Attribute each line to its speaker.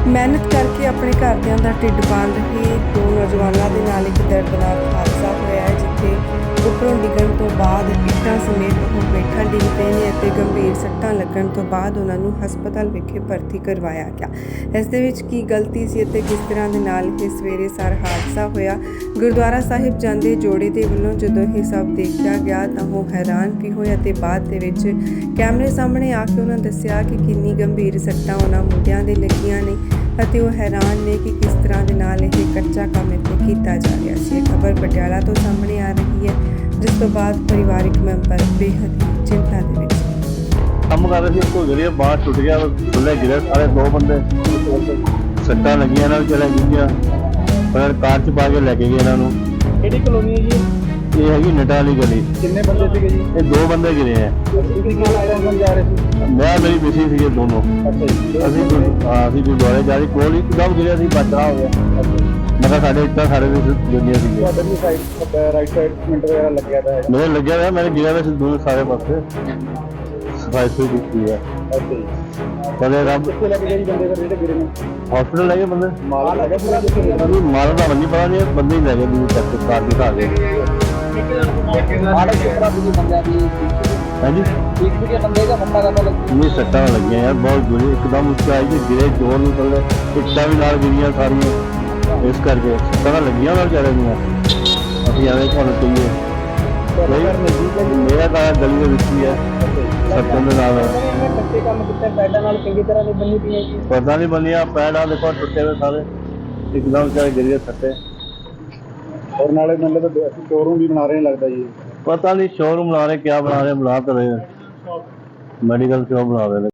Speaker 1: ਮਿਹਨਤ ਕਰਕੇ ਆਪਣੇ ਘਰਦਿਆਂ ਦਾ ਢਿੱਡ ਪਾਲ ਰਹੇ ਦੋ ਨੌਜਵਾਨਾਂ ਦੇ ਨਾਲ ਇੱਕ ਦਰਦਨਾਕ ਹਾਦਸਾ ਹੋਇਆ ਹੈ, ਜਿੱਥੇ ਉੱਪਰੋਂ ਡਿੱਗਣ ਤੋਂ ਬਾਅਦ ਇੱਟਾਂ ਸਮੇਤ ਉਹ ਹੇਠਾਂ ਡਿੱਗ ਪਏ ਨੇ ਅਤੇ ਗੰਭੀਰ ਸੱਟਾਂ ਲੱਗਣ ਤੋਂ ਬਾਅਦ ਉਹਨਾਂ ਨੂੰ ਹਸਪਤਾਲ ਵਿਖੇ ਭਰਤੀ ਕਰਵਾਇਆ ਗਿਆ। ਇਸ ਦੇ ਵਿੱਚ ਕੀ ਗਲਤੀ ਸੀ ਅਤੇ ਕਿਸ ਤਰ੍ਹਾਂ ਦੇ ਨਾਲ ਇਹ ਸਵੇਰੇ ਸਾਰ ਹਾਦਸਾ ਹੋਇਆ, ਗੁਰਦੁਆਰਾ ਸਾਹਿਬ ਜਾਂਦੇ ਜੋੜੇ ਦੇ ਵੱਲੋਂ ਜਦੋਂ ਇਹ ਸਭ ਦੇਖਿਆ ਗਿਆ ਤਾਂ ਉਹ ਹੈਰਾਨ ਵੀ ਹੋਏ ਅਤੇ ਬਾਅਦ ਦੇ ਵਿੱਚ ਕੈਮਰੇ ਸਾਹਮਣੇ ਆ ਕੇ ਉਹਨਾਂ ਦੱਸਿਆ ਕਿ ਕਿੰਨੀ ਗੰਭੀਰ ਸੱਟਾਂ ਉਹਨਾਂ ਮੁੰਡਿਆਂ ਦੇ ਲੱਗੀਆਂ ਨੇ ਅਤੇ ਉਹ ਹੈਰਾਨ ਨੇ ਕਿ ਕਿਸ ਤਰ੍ਹਾਂ ਦੇ ਨਾਲ ਇਹ ਕੱਚਾ ਕੰਮ ਇੱਥੇ ਕੀਤਾ ਜਾ ਰਿਹਾ ਸੀ। ਇਹ ਖਬਰ ਪਟਿਆਲਾ ਤੋਂ ਸਾਹਮਣੇ ਆ ਰਹੀ ਹੈ, ਜਿਸ ਤੋਂ ਬਾਅਦ ਪਰਿਵਾਰਕ ਮੈਂਬਰ ਬੇਹੱਦ ਹੀ ਚਿੰਤਾ ਦੇ ਵਿੱਚ
Speaker 2: ਕੰਮ ਕਰ ਰਹੇ ਸੀ। ਕੋਈ ਗਿਰਿਆ, ਬਾਹਰ ਟੁੱਟ ਗਿਆ, ਥੱਲੇ ਗਿਰੇ ਸਾਰੇ ਦੋ ਬੰਦੇ, ਸੱਟਾਂ ਲੱਗੀਆਂ ਨਾਲ ਚਲੇ ਗਈਆਂ, ਪਰ ਕਾਰ 'ਚ ਪਾ ਕੇ ਲੈ ਕੇ ਗਏ ਇਹਨਾਂ ਨੂੰ।
Speaker 3: ਕਿਹੜੀ ਕਲੋਨੀ ਹੈ ਜੀ?
Speaker 2: ਇਹ ਹੈਗੀ ਨਟਾ ਵਾਲੀ ਗਲੀ।
Speaker 3: ਕਿੰਨੇ ਬੰਦੇ ਸੀਗੇ ਜੀ?
Speaker 2: ਇਹ ਦੋ ਬੰਦੇ ਗਿਰੇ ਆ।
Speaker 3: ਜਾ ਰਹੇ ਸੀ?
Speaker 2: ਮੈਂ ਮੇਰੀ ਮਿਸੀ ਸੀਗੇ ਦੋਨੋਂ। ਅਸੀਂ ਗੁਰਦੁਆਰੇ ਜਾ ਰਹੇ ਕੋਲ ਇੱਕਦਮ ਗਿਰਿਆ ਸੀ, ਬਚਾ ਹੋ ਗਿਆ। ਮੈਂ ਕਿਹਾ ਸਾਡੇ ਇੱਟਾਂ ਸਾਰੇ ਵੀ ਦੁਨੀਆ ਸੀਗੇ।
Speaker 3: ਤੁਹਾਡੇ ਵੀ ਸਾਈਡ ਰਾਈਟ ਸਾਈਡ ਮਿੰਟ ਵਗੈਰਾ ਲੱਗਿਆ ਤਾਂ ਹੈ?
Speaker 2: ਮੇਰੇ ਲੱਗਿਆ ਹੋਇਆ, ਮੇਰੇ ਗਿਰਿਆ ਹੋਇਆ ਸੀ ਦੋਨੋਂ ਸਾਰੇ ਪਾਸੇ। ਸਫਾਈ ਸੁਈ ਕੀਤੀ ਹੈ। ਕਦੇ ਰੱਬ
Speaker 3: ਕਿੱਥੇ ਲੱਗ ਗਏ ਜੀ ਬੰਦੇ ਫਿਰ ਜਿਹੜੇ ਗਿਰੇ ਨੇ?
Speaker 2: ਹਸਪੀਟਲ ਲੈ ਗਏ ਬੰਦੇ।
Speaker 3: ਮਾਲ ਲੱਗਾ ਪੂਰਾ?
Speaker 2: ਮਾਲ ਦਾ ਨਹੀਂ ਪਤਾ ਨਹੀਂ, ਬੰਦੇ ਹੀ ਲੈ ਗਏ ਦੂਰ ਤੱਕ ਕਾਰ ਦਿਖਾ ਕੇ। ਹਾਂਜੀ ਨਹੀਂ ਸੱਟਾਂ ਲੱਗੀਆਂ ਯਾਰ, ਬਹੁਤ ਬੁਰੀ ਇੱਕਦਮ ਉੱਚਾ ਆਈ ਕਿ ਗਿਰੇ ਜ਼ੋਰ ਨੂੰ ਥੱਲੇ, ਇੱਟਾਂ ਵੀ ਨਾਲ ਗਿਰੀਆਂ ਸਾਰੀਆਂ, ਇਸ ਕਰਕੇ ਸੱਟਾਂ ਲੱਗੀਆਂ ਉਹਨਾਂ ਵਿਚਾਰੇ ਦੀਆਂ। ਅਸੀਂ ਐਵੇਂ ਤੁਹਾਨੂੰ ਕਹੀਏ ਮੇਰਾ ਤਾਂ ਗਲੀ ਦੇ ਵਿੱਚ ਹੀ ਹੈ, ਸੱਟਾਂ ਦੇ ਨਾਲ
Speaker 3: ਕੱਚੇ ਕੰਮ ਕੀਤਾ, ਪੈਡਾਂ ਨਾਲ ਚੰਗੀ ਤਰ੍ਹਾਂ ਨਹੀਂ ਬੰਨੀ ਪਈਆਂ ਜੀ।
Speaker 2: ਪਤਾ ਨਹੀਂ ਬਣਿਆ, ਪੈੜਾਂ ਦੇਖੋ ਟੁੱਟੇ ਹੋਏ ਸਾਰੇ, ਇੱਕਦਮ ਵਿਚਾਰੇ ਗਿਰੀਆਂ ਸੱਟੇ।
Speaker 3: ਔਰ ਨਾਲੇ ਮਤਲਬ ਅਸੀਂ ਸ਼ੋਰੂਮ ਵੀ ਬਣਾ ਰਹੇ ਲੱਗਦਾ ਜੀ।
Speaker 2: ਪਤਾ ਨਹੀਂ ਸ਼ੋਰੂਮ ਬਣਾ ਰਹੇ, ਕਿਆ ਬਣਾ ਰਹੇ, ਬਣਾ ਤਾਂ ਰਹੇ ਮੈਡੀਕਲ ਸ਼ੋਪ ਬਣਾ ਰਹੇ ਨੇ।